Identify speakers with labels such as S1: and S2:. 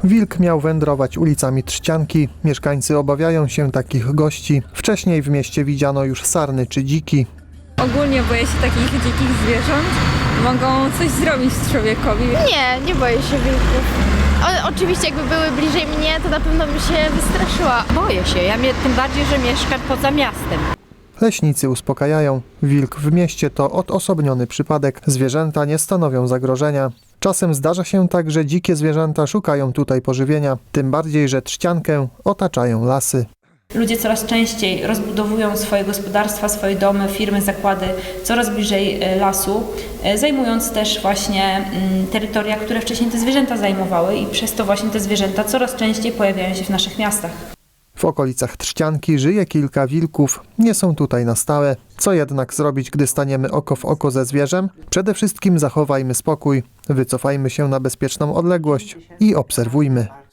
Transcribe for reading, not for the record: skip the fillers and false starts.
S1: Wilk miał wędrować ulicami Trzcianki. Mieszkańcy obawiają się takich gości. Wcześniej w mieście widziano już sarny czy dziki.
S2: Ogólnie boję się takich dzikich zwierząt. Mogą coś zrobić człowiekowi.
S3: Nie boję się wilków. Oczywiście jakby były bliżej mnie, to na pewno bym się wystraszyła.
S4: Boję się, tym bardziej, że mieszkam poza miastem.
S1: Leśnicy uspokajają. Wilk w mieście to odosobniony przypadek. Zwierzęta nie stanowią zagrożenia. Czasem zdarza się tak, że dzikie zwierzęta szukają tutaj pożywienia. Tym bardziej, że Trzciankę otaczają lasy.
S5: Ludzie coraz częściej rozbudowują swoje gospodarstwa, swoje domy, firmy, zakłady coraz bliżej lasu, zajmując też właśnie terytoria, które wcześniej te zwierzęta zajmowały i przez to właśnie te zwierzęta coraz częściej pojawiają się w naszych miastach.
S1: W okolicach Trzcianki żyje kilka wilków. Nie są tutaj na stałe. Co jednak zrobić, gdy staniemy oko w oko ze zwierzem? Przede wszystkim zachowajmy spokój, wycofajmy się na bezpieczną odległość i obserwujmy.